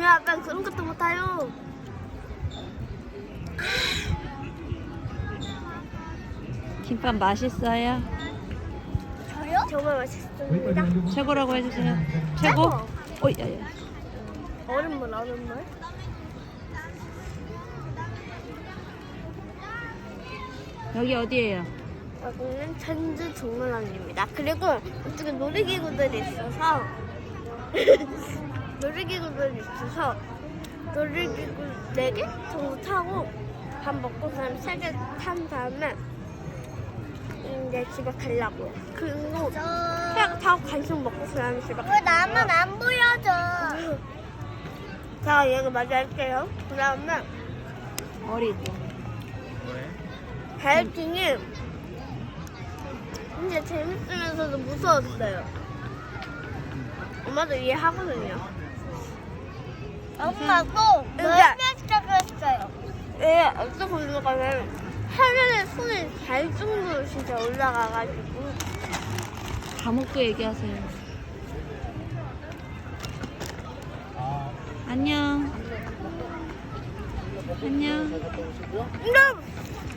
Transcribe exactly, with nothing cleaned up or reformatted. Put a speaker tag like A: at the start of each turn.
A: 아빠 그런 것도 못해요.
B: 김밥 맛있어요?
A: 저요? 정말 맛있습니다.
B: 최고라고 해주세요. 최고? 어, 야야.
A: 얼음물, 얼음물.
B: 여기 어디예요?
A: 여기는 천주 동물원입니다. 그리고 이쪽에 놀이기구들이 있어서 놀이기구들이 있어서 놀이기구 네 개 정도 타고 밥 먹고 그다음 세 개 탄 다음에 이제 집에 가려고요. 그리고 그냥 타고 간식 먹고 그다음에 집에 가려고요. 나만 안 보여줘. 자, 얘가 먼저 할게요. 그다음에
B: 머리.
A: 바이킹이 근데 재밌으면서도 무서웠어요. 엄마도 이해하거든요. 엄마도 너무 시작했어요. 예, 어떤 건가는 하늘에 손이 닿을 정도로 진짜 올라가가지고.
B: 감옥도 얘기하세요. 안녕. 안녕.
A: 안녕.